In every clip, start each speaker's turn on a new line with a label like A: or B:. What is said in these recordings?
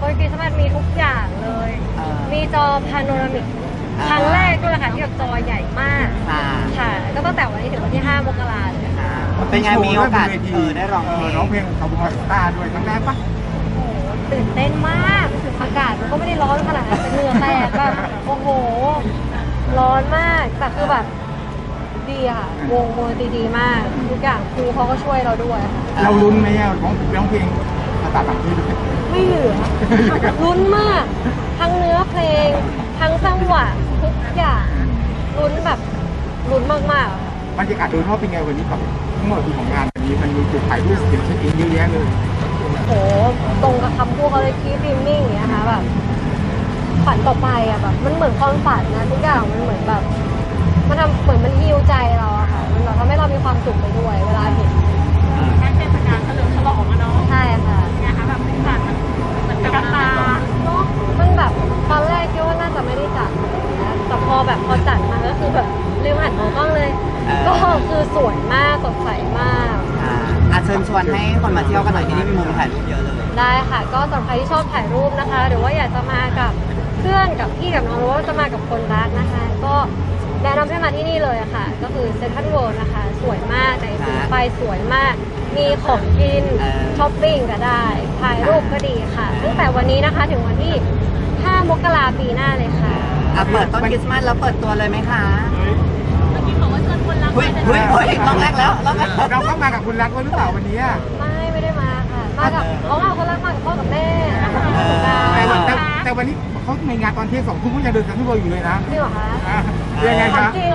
A: บนคริสต์มาสมีทุกอย่างเลย มีจอพาโนรามิกครั้งแรกด้วยค่ะที่แบบจอใหญ่มากค่ะก็ตั้งแต่วันนี้ถึงวันที่5 มกราคมเลยค่ะ
B: เป็นไงมีโอกาสได้ร้องเพลง
C: ร้องเพลงคาร์บูสตาร์ด้วยครั้งแรกปะ
A: โอ้โหตื่นเต้นมากอากาศมันก็ไม่ได้ร้อนขนาดนั้นแต่เหงื่อแตกแบบโอ้โหร้อนมากแต่คือแบบดีค่ะวงดีมากทุกอย่างครูเขาก็ช่วยเราด้วย
C: เราลุ้นไหมร้องเพลงภาษาต่างประเทศด้วย
A: ไม่เหลือลุ้นมากทั้งเนื้อเพลงทั้งจังหวะทุกอย่างลุ้นแบบลุ้นมาก
C: บรรยากาศโดยรอบเป็นไงวันนี้กับทั้งหมดของงานวันนี้มันมีจุดถ่ายรูปเช็คอินเยอะแยะเลย
A: โหตรงกับคำพูดเขาเลยคีดริมมิ่งอย่างเงี้ยค่ะแบบฝันต่อไปอ่ะแบบมันเหมือนความฝันนะทุกอย่างมันเหมือนแบบมันทำเหมือนมันฮีลใจเราอะค่ะมันแบบทำให้เรามีความสุขไปด้วยเวลาเห็น
D: การเทศกาลเฉลิมฉลองอะเนาะ
A: ใช่ค่ะ
D: ไงคะแบบสีสันมันเหมือนกระตา
A: เนาะมันแบบตอนแรกคิดว่าน่าจะไม่ได้จัดนะแต่พอจัดมาก็คือแบบลืมหันมองกล้องเลยก็คือสวยมากสดใสมาก
B: เชิญชวนให้คนมาเที่ยวกันหน่อยที่นี่มีมุมถ่ายรูปเยอะเลย
A: ได้ค่ะก็สำหรับใครที่ชอบถ่ายรูปนะคะหรือว่าอยากจะมากับเพื่อนกับพี่กับน้องหรือว่าจะมากับคนรักนะคะก็แนะนำให้มาที่นี่เลยค่ะก็คือเซ็นทรัลเวิลด์นะคะสวยมากในสีไฟสวยมากมีของกินช้อปปิ้งก็ได้ถ่ายรูปก็ดีค่ะตั้งแต่วันนี้นะคะถึงวันที่5 มกราคมปีหน้าเลยค่ะ
B: เปิดต้นคริสต์มาสแล้วเปิดตัวเลยไหมคะ
D: เมื่อกี้บอกว่าเชิญคนรักมา
B: รอบแรกแล้ว
C: เราก็มากับคุณรักหรือเปล่าวันนี้
A: ไม่ได้มาค่ะมากับคนรักมากับพ่อกับแม่
C: แต่วันนี้เขาในงานตอนเที่ยง2 ทุ่มก็ยังเดินทางที่เราอยู่เลยนะ
A: จริงเหรอคะ
C: ยังไงคะ
A: จริง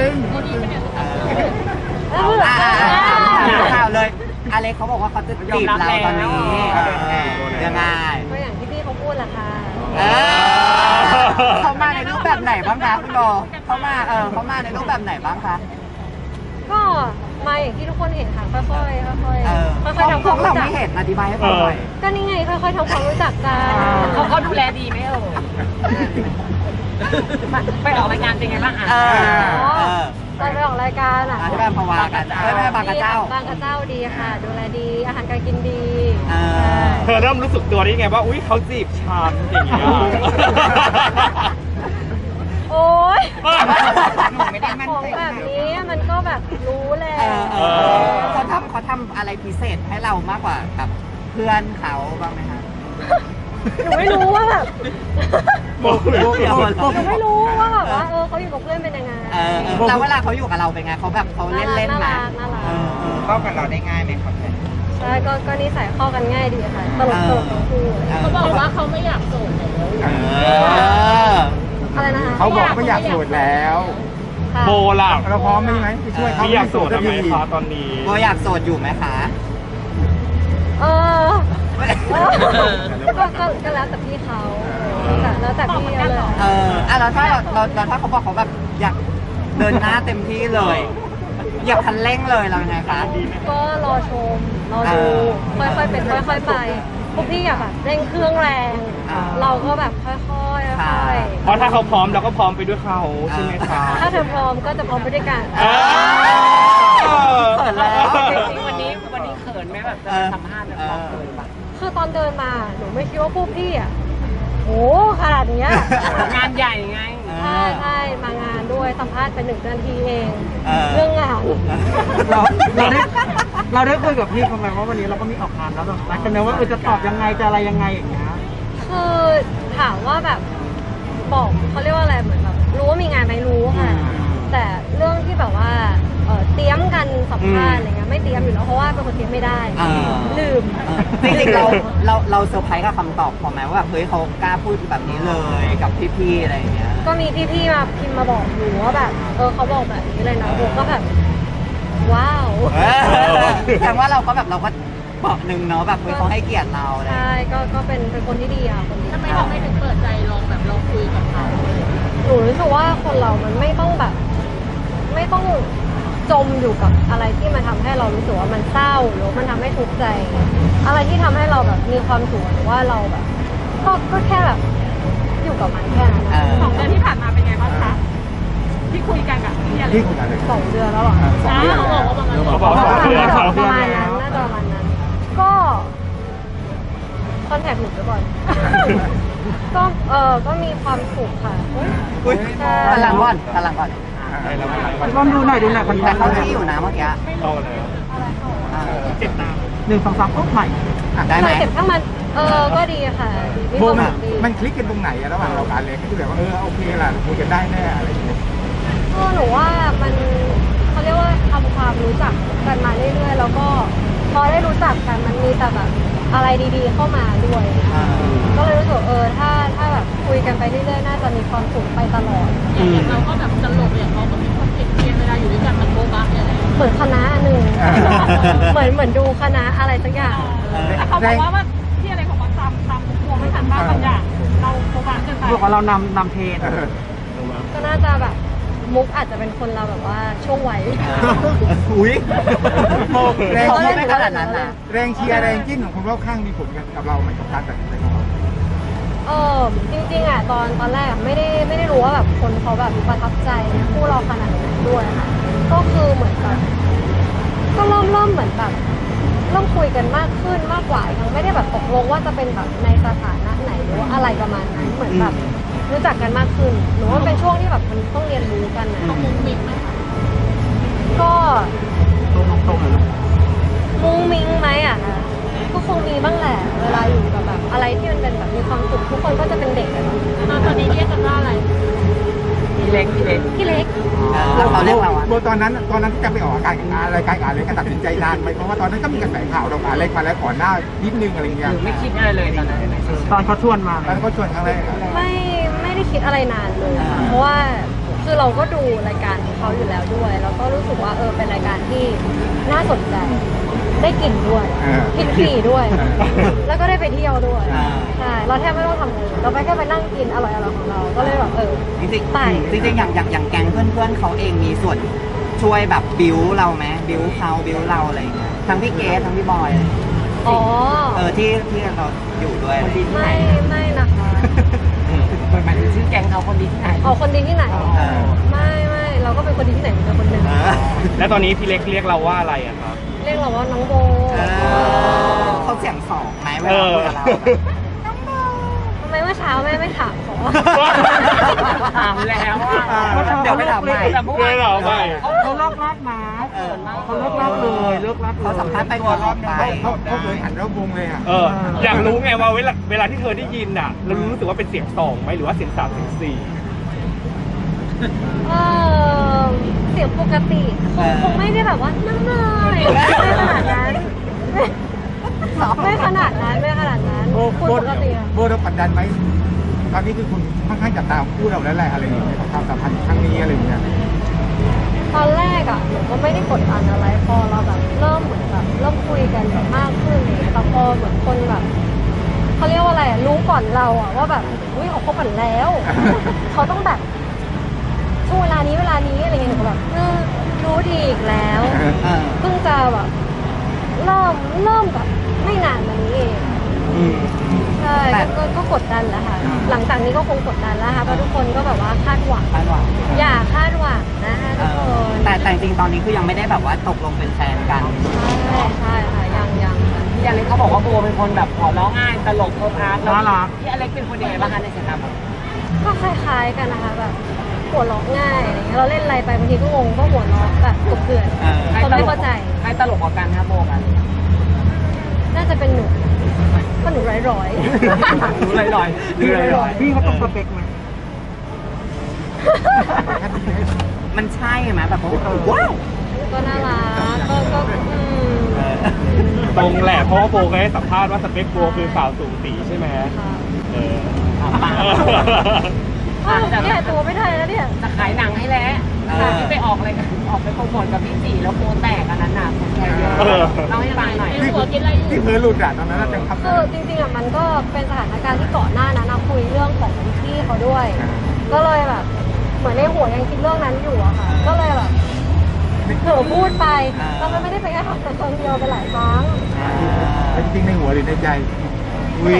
B: ข่าวเลยอเล็กเขาบอกว่าเขาจะจีบเราตอนนี้ยังไง
A: ก็อย่างที่พี่เขาพูดแหละค่ะ
B: เขามาในรูปแบบไหนบ้างคะคุณโบเขามาในรูปแบบไหนบ้างคะ
A: ก็มาอย่างที่ทุกคนเห็นค่ะค่อยๆทำความรู้จัก
B: เราไม่เห็นอธิบายให้ฟังหน่อย
A: ก็นี่ไงค่อยๆทำความรู้จักกัน
D: เขาดูแลดีไหมไปออกรายการเป็นไงบ้าง
A: ตอนไปออกรายการ
B: ที่แบบพวากันบางกระเจ้า
A: ดีค่ะดูแลดีอาหารการกินดี
E: เธอเริ่มรู้สึกตัวได้ไงว่าอุ้ยเขาจีบฉันอย่างเงี้ย
A: โอ๊ย
B: ไม่ได้มั่นใจ
A: แบบนี้มันก็แบบรู้แหละ
B: เขาทำอะไรพิเศษให้เรามากกว่าแบบเพื่อนเขาบ้างไหมคะ
A: หนูไม่รู้ว่าแบบหนูไม่รู้ว่าแบบว่าเขาอยู่กับเพื่อนเป็นยังไง
B: แล้วเวลาเขาอยู่กับเราเป็นไงเขาแบบเขาเล่นๆนะเข้ากับเราได้ง่ายไหมครับ
A: ใช่ก็นิสัยเข้ากันง่ายดีค่ะตลกทั้งคู่
D: เขาบอกว่าเขาไม่อยากโสดแล้ว
A: อะไรนะคะ
C: เขาบอกไม่อยากโสดแล้ว
E: โบล่ะ
C: เราพร้อมไหมไปช่วยเขา
E: อยากโสดไหมคะตอนนี้
B: โบอยากโสดอยู่ไหมคะ
A: ก็แล้วแต่พี่เขาแล้วแต่พี่เลย
B: แล้วถ้าเขาบอกเขาแบบอยากเดินหน้าเต็มที่เลยอยากคันเร่งเลยเราไงคะ
A: ก็รอชมรอดูค่อยๆเป็นค่อยๆไปพวกพี่อยากแบบเร่งเครื่องแรงเราก็แบบค่อยๆ
E: เพราะถ้าเขาพร้อมเราก็พร้อมไปด้วยเขาใช่ไหมคะ
A: ถ้าเธอพร้อมก็จะพร้อมไปด้วยกัน
B: เขินแล้ว
D: วันนี้เขินไหมแบบจะสัมภาษณ์แบบเขินปะ
A: คือตอนเดินมาหนูไม่คิดว่าพวกพี่โหขนาดนี้
D: งานใหญ่ไง
A: ใช่มางานด้วยสัมภาษณ์ไป1 นาทีเองเรื่องงาน
C: เราได้คุยกับพี่เขาไหมว่าวันนี้เราก็มีออกงานแล้วแบบนัดกันนะว่าจะตอบยังไงจะอะไรยังไงอย่างเงี้ย
A: คือถามว่าแบบบอกเขาเรียกว่าอะไรเหมือนแบบรู้ว่ามีงานไหมรู้ค่ะแต่เรื่องที่แบบว่าเตรียมกันสัมภาษณ์อะไรเงี้ยไม่เตรียมอยู่แล้วเพราะว่าเป็นคนเตรียมไม่ได้ลืม
B: จริงๆเราเซอร์ไพรส์กับคำตอบของแม่ว่าแบบเฮ้ยเขากล้าพูดแบบนี้เลยกับพี่ๆอะไรอย่างเงี้ย
A: ก็มีพี่ๆมาพิมพ์มาบอกหนูว่าแบบเขาบอกแบบนี้เลยนะผมก็แบบว้าว
B: แสดงว่าเราก็บอกหนึ่งเนาะแบบเขาให้เกียรติเรา
A: ใช่ก็เป็นคนที่ดีคนดี
D: ทำไมเราไม่ถึงเปิดใจลองคุยกับเขา
A: หนูรู้สึกว่าคนเรามันไม่ต้องจมอยู่กับอะไรที่มันทำให้เรารู้สึกว่ามันเศร้าหรือมันทำให้ทุกข์ใจอะไรที่ทำให้เราแบบมีความสุขหรือว่าเราแบบก็แค่แบบอยู่กับมันแค่นั้น
D: 2 เดือนที่ผ่านมาเป็นไงบ้างคะที่คุยกันกับพี่อะไร
A: 2 เดือนแล้วหรอ
D: เขาบอกว่า
A: ประมาณนั้นน่าจะประมาณนั้นก็ตอนอนแทคหนูไปก่อน ก็มีความสุขค่ะ
B: อุ้ย
A: ใช่
B: พลังก่อนพลังก่อน
C: ลองดูหน่อยคน
B: แต่เขาที่อยู่นะเมื่อกี้
E: เอาเลย
B: อ่า
E: เจ็บตาม
C: 1 2 3ปุ๊บใหม่
B: ได้ไหม
A: เก็บข้างมันก็ดีค่ะมี
C: โบ
A: ความ
C: มัน
A: สุขดี
C: มันคลิกกันตรงไหนอะระหว่างเรากับอเล็กที่แบบว่าโอเคล่ะคุยกันได้แน่อะไรอย่างเงี้ย
A: หนูว่ามันเขาเรียกว่าทำความรู้จักกันมาเรื่อยๆแล้วก็พอได้รู้จักกันมันมีแต่แบบอะไรดีๆเข้ามาด้วย
B: อ่า
A: ก็เลยรู้สึกถ้าแบบคุยกันไปเรื่อยๆน่าจะมีความสุขไปตลอด
D: อย่างเราก็แบบตลกอย่างเราก็มีความเก่งเวลาอยู่ด้วยกันมันโบ๊ะบ้าเนี่ย
A: เหมือนคณะหนึ่งเหมือนดูคณะอะไรสักอย่าง
D: แต่เขาบอกว่าที่อะไรของมันตามพวงไม่ทันบ้างบางอย่างเราโบ๊ะบ้าเกินไป
C: บอกว่าเรานำเทรน
A: ก็น่าจะแบบมุกอาจจะเป็นคนเราแบบว่าช่วงวัย
B: อุ้ย
C: แรง
B: เขา
C: เชีย
B: ไม่
C: ร์
B: ขนาดนั้นนะ
C: แรงเชียร์แรงจิ้นของคนรอบข้างมีผลกับเราไหมกับการตัดสินใจของเรา
A: จริงๆอ่ะตอนแรกอะไม่ได้รู้ว่าแบบคนเขาแบบประทับใจคู่เราขนาดไหนด้วยค่ะก็คือเหมือนแบบก็เริ่มเหมือนแบบเริ่มคุยกันมากขึ้นมากกว่ายังไม่ได้แบบตกลงว่าจะเป็นแบบในสถานะไหนหรือว่าอะไรประมาณนั้นเหมือนแบบรู้จักกันมากขึ้นหนูว่าเป็นช่วงที่แบบมันต้องเรียนรู้กันนะ
D: เขามุ้งมิ้งไหมคะ
A: ก็
C: ตรงๆเลย
A: มุ้งมิ้งไหมอ่ะนะก็คงมีบ้างแหละเวลาอยู่กับแบบอะไรที่มันเป็นแบบมีความสุขทุกคนก็จะเป็นเด็กอะเนาะ
D: ตอนนี้เรียกกันว่าอะไร
A: พี่เล็ก
B: แล้วเขาเรียกเราอะ
C: โบตอนนั้นที่จะไปออกอากาศกับรายการอะไรกันตัดสินใจนานไหมเพราะว่าตอนนั้นก็มีกระแสข่าวเราอะไรมาแล้วก่อนหน้านิดนึงอะไรเงี้ย
B: ไม่คิดอะไรเลยตอนนั้น
C: ตอนเขาชวนมาตอนเขาชวนครั้งแรก
A: ไม่ได้คิดอะไรนานเลยค่ะเพราะว่าคือเราก็ดูรายการของเขาอยู่แล้วด้วยแล้วก็รู้สึกว่าเป็นรายการที่น่าสนใจได้กลิ่นด้วยกินฟรีด้วย แล้วก็ได้ไปเที่ยวด้วยใช่เราแทบไม่ต้องทำอะไรเลยเราไปแค่ไปนั่งกินอร่อยๆของเราก็เลยแบบ
B: จริง
A: ไป
B: ๆจริงๆอย่างแก๊งเพื่อนๆเขาเองมีส่วนช่วยแบบบิวเราไหมบิวเขาบิวเราอะไรอย่างเงี้ยทั้งพี่เกสทั้งพี่บอย
A: อ๋อ
B: ที่เราอยู่ด้วยอะไรอย่างเงี้ย
A: ไม่นะคะ
B: หมายถึงชื่อแก๊งเขาคนดีที่ไหน
A: เอาคนดีที่ไหน
B: เออ
A: ไม่เราก็เป็นคนดีที่ไหนเป็นคนหนึ่ง
E: แล้วตอนนี้พี่เล็กเรียกเราว่าอะไรอะครับ
A: เรียกเราว่าน้องโบ
B: เขาเสียงสองไหมเวลาคุยกับเรา
A: ทำไมเมื่อเช้าแม่ไม่ถามขอ
B: ถามแล้วอ่ะเดี๋ยวไปถามใหม่
E: เพื่อนเราไป
C: เขาลอกลักมาเขาลอกลักเลยเลิกลัก
B: เขาสัมภาษณ์ไปก่อนออกไป
C: เขาเคยหันรอบวงเลยอ่ะ
E: อยากรู้ไงว่าเวลาที่เธอได้ยินน่ะเรารู้สึกว่าเป็นเสียงสองไหมหรือว่าเสียงสามเสียงสี่
A: เสียงปกติคงไม่ได้แบบว่านั่งเลยไม่ขนาดนั้นไม่ขนาดนั้นคุณปกติอะ
C: โบเรากดดันไหมตอนนี้คือคุณค่อนข้างจับตามคู่เราแล้วแหละอะไรอย่างเงี้ยความสัมพันธ์ครั้งนี้อะไรอย่างเงี้ย
A: ตอนแรกอะหนูก็ไม่ได้กดดันอะไรพอเราแบบเริ่มเหมือนแบบเริ่มคุยกันแบบมากขึ้นอะไรเลยแต่พอเหมือนคนแบบเขาเรียกว่าอะไรอะรู้ก่อนเราอะว่าแบบอุ้ยเขาคบกันแล้ว เขาต้องแบบช่วงเวลานี้อะไรเงี้ยหนูก็แบบรู้ดีอีกแล้วเพิ่งจะแบบเริ่มแบบไม่นานมานี้เองใช่ก็กดดันแล้วค่ะหลังจากนี้ก็คงกดดันแล้วค่ะเพราะทุกคนก็แบบว่าคาดหวังอย่าคาดหวังนะคะทุกคน
B: แต่จริงๆตอนนี้คือยังไม่ได้แบบว่าตกลงเป็นแฟนกัน
A: ใช่ค่ะยังค่ะ
F: พี่อเล็กเขาบอกว่าโบเป็นคนแบบหัวเราะง่ายตลกโพพาร์ทแล้วพี่อเล็กเป็นคนยังไงบ้างคะในสายตาโบ
A: ก็คล้ายๆกันนะคะแบบหัวเราะง่ายอะไรเงี้ยเราเล่นอะไรไปบางทีก็งงก็หัวเราะแบบกบเกลื่อนคนไม่เข้าใจ
F: ใครตลกกว่ากันคะโบกัน
A: น่าจะเป็นหนูเพราะหนูร้อย
F: รู้ลอยๆ
C: พี่เขาต้องสเปคไหม
B: มันใช่ไหมแบบว้าว
A: ๆก็น่ารักก็
E: ตรงแหละเพราะว่าโบเคยให้สัมภาษณ์ว่าสเปคโบคือสาวสูงสีใช่ไหม
A: ค่ะ เนี่ยตัวไม่ได้แล้วเนี่ย
F: จะขายหนังให้แล้วที่ไปออกอะไรกันออกไปโปรโมทกับพี่สี่แล้วโบแตกอันนั้นน่ะคนแชร์เยอะเล่าให้ฟังหน่อย
C: ที่เผลอหลุดอ่ะตอนนั้นจังครับ
A: คือจริงๆอะมันก็เป็นสถานการณ์ที่ก่อนหน้านั้นนะคุยเรื่องของพี่เขาด้วย ก็เลยแบบเหมือนในหัวยังคิดเรื่องนั้นอยู่อะค่ะ ก็เลยแบบเผลอพูดไปแล้วมันไม่ได้เป็นแค่ครั้งเดียวเป็นหลายครั้ง
C: เป็นจริงในหัวหรือในใจ
B: วิ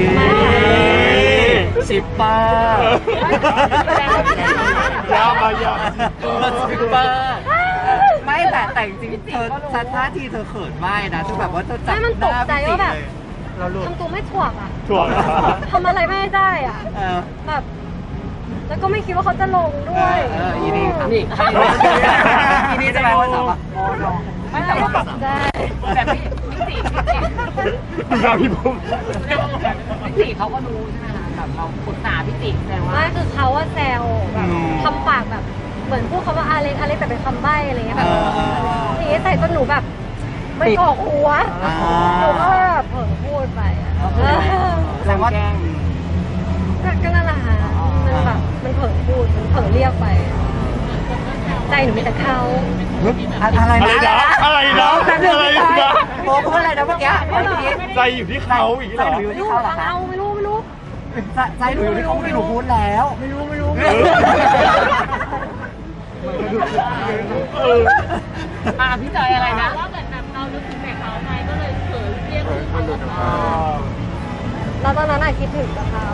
B: ชิปเปอร์
E: ยาวมายาว
B: ชิปเปอร์ไม่แต่จริงๆเธอท่าทีเธอเขินมากนะคือแบบว่าเธอจับ
A: ไม่มันตกใจว่าแบบ
B: เราหลุด
A: ทำตัวไม่ถ่วงอ่ะ
E: ถ่วง
A: ทำอะไรไม่ได้อ่ะ
B: เออ
A: แบบแล้วก็ไม่คิดว่าเขาจะลงด้วย
B: อีนี่ครับ
F: นี่
B: อีนี่จะไปว่าสาวโอ้ลง
F: ไม่แต่ว่า
A: ได้
F: แบบพี่สี่
E: ดูหน้าพี่ผม
F: พี่สี่เขาก็รู้ใช่ไหมคะแบบเราปรึกษาพี่สี่แสดงว่า
A: ไม่คือเขาว่าแซวแบบทำปากแบบเหมือนพูดคำว่าอาเล็กแต่เป็นคำใบ้อะไรเงี้ยแบบนี่ใส่จนหนูแบบไม่กอกหัวหนูก็แบบเผลอพูดไปอะ
B: แสดงว่า
A: ก็นั่นแหละค่ะมันแบบมันเผลอพูดมันเผลอเรียกไป ใจหนูมีแต่เขา
B: อะไร
E: อะไร
B: นะ
E: นะอะไรนะ
B: แต่หนึ่ง
E: อะไร
B: ไม่ใช่
E: นะ
B: โอ้พูดอะไรนะเมื่อกี้เมื่อกี้
E: ใจอยู่ที่เขาอีกเหรอ
B: ใจอยู่
A: ไม่
B: ที่
A: รู้
B: เขาเหรอ
A: ฟัง
B: คะ
A: เอาไม่รู้
B: ใจหนูอยู่ที่เขาไม่หนูพูดแล้ว
A: ไม่รู้
E: เออ
F: พี่จอยอะไรนะ
D: ว่าแบบเรานึกถึงแต่เขาไงก็เลยเผลอเรียกชื่อเขาออกมา
A: แล้วตอนนั้นคิดถึงกับเขา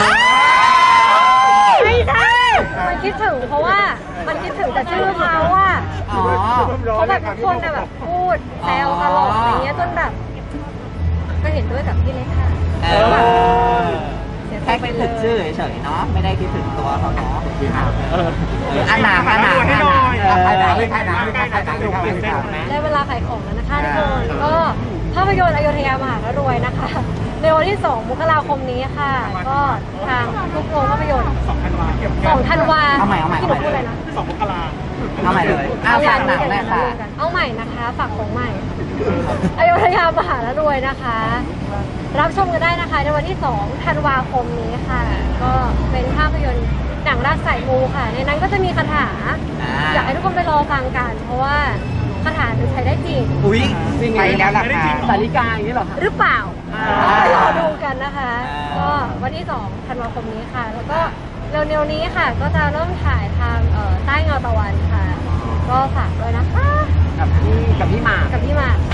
A: ไม่ใช่มันคิดถึงเพราะว่ามันคิดถึงแต่ชื่อเขาว่า
B: อ๋อ
A: เขาแบบทุกคนแบบพูดแซวตลกอะไรเงี้ยจนแบบก็เห็นด้วยกับพี่เล็กค่ะ
B: เอ
A: แล้วแบบ
B: อแค่คิดถึงชื่อเฉยๆเนาะไม่ได้คิดถึงตัวเขาเนาะอันหนาอันหนาอันหนาอันหนาไม่ใช่หนาไม่ใช่หนาไม่ใช่หนา
A: ได้เวลาขายของแล้วนะคะทุกคนก็ภาพยนตร์อโยธยามหารวยนะคะ ในวันที่ 2 มกราคมนี้ค่ะ ก็ทางทุกโรงภาพยนตร์2 ธันวา
B: เอาใหม่
A: ที่หนูพูดเลยนะ
E: 2 มกรา
B: เอาใหม่เลยเอาฝากหนังเลยค่ะ
A: เอาใหม่นะคะฝากของใหม่ อโยธยามหารวยนะคะ รับชมกันได้นะคะในวันที่ 2 ธันวาคมนี้ค่ะ ก็เป็นภาพยนตร์หนังรักสายมูค่ะ ในนั้นก็จะมีคาถา อยากให้ทุกคนไปรอฟังกัน เพราะว่าคาถาจะใช้ได้จริง
B: อุ้ยไปแล้วล่ะค่ะ
F: สาริกาอย่างนี้เหรอคะ
A: หรือเปล่า ไปรอดูกันนะคะ
B: อ่า
A: ก็วันที่ 2 ธันวาคมนี้ค่ะ แล้วก็เร็วๆนี้ค่ะ ก็จะเริ่มถ่ายทางใต้เงาตะวันค่ะ ก็ฝากด้วยนะคะ
F: กับพี่หมาก
A: กับพี่หมาก